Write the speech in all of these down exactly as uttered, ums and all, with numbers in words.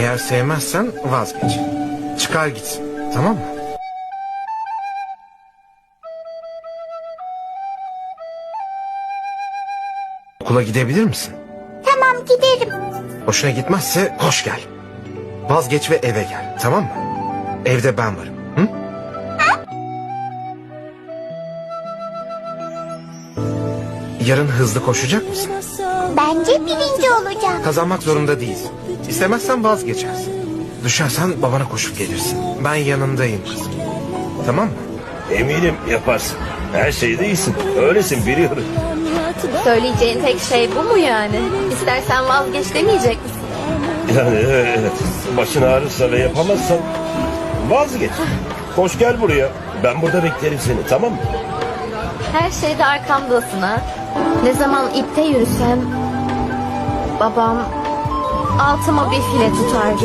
Eğer sevmezsen vazgeç. Çıkar gitsin. Tamam mı? Okula gidebilir misin? Tamam, giderim. Hoşuna gitmezse koş gel. Vazgeç ve eve gel. Tamam mı? Evde ben varım. Hı? Yarın hızlı koşacak mısın? Bence birinci olacağım. Kazanmak zorunda değilsin. İstemezsen vazgeçersin. Düşersen babana koşup gelirsin. Ben yanındayım kızım. Tamam mı? Eminim yaparsın. Her şeyde iyisin. Öylesin biliyorum. Söyleyeceğin tek şey bu mu yani? İstersen vazgeç demeyecek misin? Yani evet. Başın ağrırsa ve yapamazsan vazgeç. Koş gel buraya. Ben burada beklerim seni, tamam mı? Her şeyde arkamdasın ha. Ne zaman ipte yürüsem babam altıma bir file tutardı.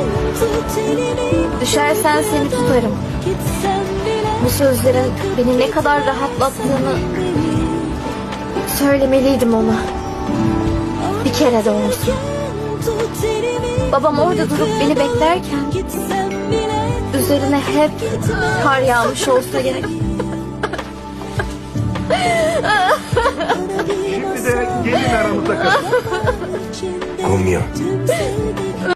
Düşersen seni tutarım. Bu sözlerin beni ne kadar rahatlattığını söylemeliydim ona. Bir kere de olsun. Babam orada durup beni beklerken üzerine hep kar yağmış olsa gerek. Şimdi de gelin aramızda kalın. Kumya.